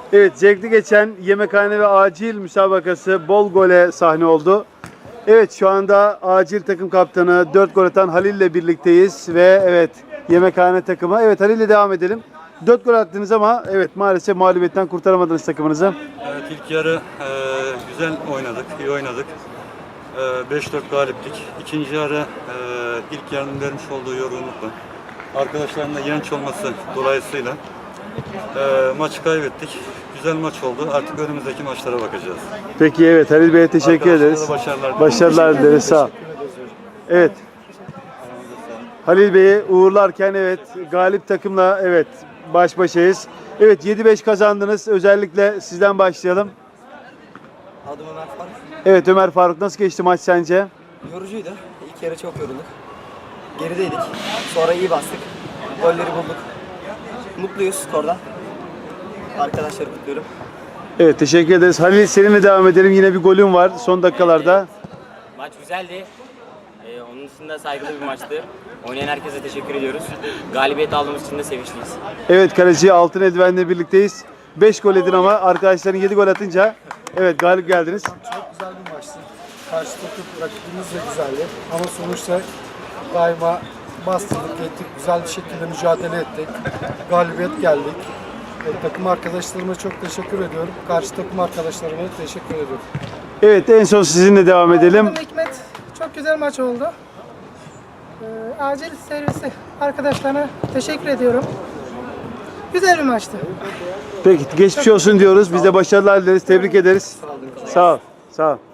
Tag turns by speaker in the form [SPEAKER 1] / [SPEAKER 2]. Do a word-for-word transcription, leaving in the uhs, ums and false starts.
[SPEAKER 1] Evet, zevkli geçen yemekhane ve acil müsabakası bol gole sahne oldu. Evet, şu anda acil takım kaptanı dört gol atan Halil ile birlikteyiz ve evet yemekhane takımı. Evet, Halil ile devam edelim. dört gol attınız ama evet maalesef mağlubiyetten kurtaramadınız takımınızı.
[SPEAKER 2] Evet, ilk yarı e, güzel oynadık, iyi oynadık. E, beş dört galiptik. İkinci yarı e, ilk yarının vermiş olduğu yorgunlukla, arkadaşların da genç olması dolayısıyla e, maçı kaybettik. Güzel maç oldu. Artık önümüzdeki maçlara bakacağız.
[SPEAKER 1] Peki evet Halil Bey'e teşekkür
[SPEAKER 2] Arkadaşlara
[SPEAKER 1] ederiz.
[SPEAKER 2] da başarılar.
[SPEAKER 1] Başarılar dileriz. Sağ ol. Evet. Halil Bey'i uğurlarken evet galip takımla evet baş başayız. Evet yedi beş kazandınız. Özellikle sizden başlayalım.
[SPEAKER 3] Adım Ömer Faruk.
[SPEAKER 1] Evet Ömer Faruk, nasıl geçti maç sence?
[SPEAKER 3] Yorucuydu. İlk yarı çok yorulduk. Gerideydik. Sonra iyi bastık. Golleri bulduk. Mutluyuz skordan. Arkadaşları kutluyorum.
[SPEAKER 1] Evet teşekkür ederiz. Halil seninle devam edelim. Yine bir golün var son dakikalarda.
[SPEAKER 4] Maç güzeldi. Ee, onun dışında saygılı bir maçtı. Oynayan herkese teşekkür ediyoruz. Galibiyet aldığımız için de sevinçliyiz.
[SPEAKER 1] Evet kaleci Altın Eldiven'le birlikteyiz. beş gol edin ama arkadaşların yedi gol atınca evet galip geldiniz.
[SPEAKER 5] Çok güzel bir maçtı. Karşı takım rakibimiz de güzeldi. Ama sonuçta daima bastırdık, ettik. Güzel bir şekilde mücadele ettik. Galibiyet geldik. E, takım arkadaşlarıma çok teşekkür ediyorum. Karşı takım arkadaşlarıma teşekkür ediyorum.
[SPEAKER 1] Evet en son sizinle devam edelim.
[SPEAKER 6] Adım Hikmet. Çok güzel maç oldu. Ee, acil servisi arkadaşlarına teşekkür ediyorum. Güzel bir maçtı.
[SPEAKER 1] Peki geçmiş olsun diyoruz. Biz de başarılar dileriz. Tebrik ederiz. Sağ ol. Sağ ol.